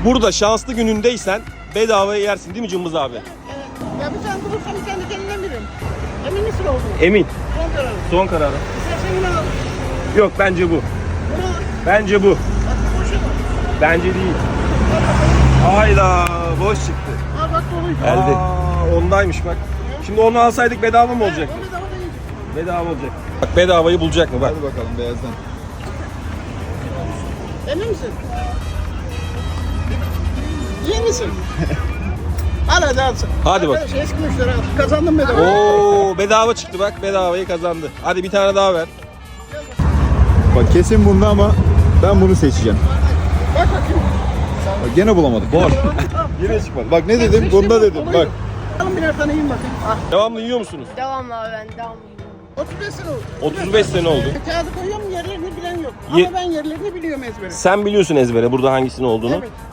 Burada şanslı günündeysen bedavaya yersin değil mi Cımbız abi? Evet. Ya bir tane bulursam kendi kendine veririm. Emin misin olduğunu? Emin. Son kararı. Son kararı. İstersen yine al. Yok bence bu. Bunu al. Bence bu. Bak bu boşa bak. Bence değil. Hayda boş çıktı. Ha bak doluydu. Aa, ondaymış bak. Şimdi onu alsaydık bedava mı olacak? O bedava değil. Bedava olacak. Bak bedavayı bulacak mı bak. Hadi bakalım beyazdan. Emin misin? İyi misin? Al hadi al. Hadi bak. Arkadaş, eski müşteri al. Kazandım bedava. Oo bedava çıktı bak bedavayı kazandı. Hadi bir tane daha ver. Bak kesin bunda ama ben bunu seçeceğim. Bak bakayım. Bak gene bulamadık. Boş. Yine çıkmadı. Bak ne dedim? Bunda dedim. Bak. Alın birer tane yiyin bakayım. Ah. Devamlı yiyor musunuz? Devamlı abi ben devamlı. 35 sene oldu. 35 sene oldu. Kağıdı koyuyorum yerlerini bilen yok. Ye- Ama ben yerlerini biliyorum ezbere. Sen biliyorsun ezbere burada hangisinin olduğunu. Evet.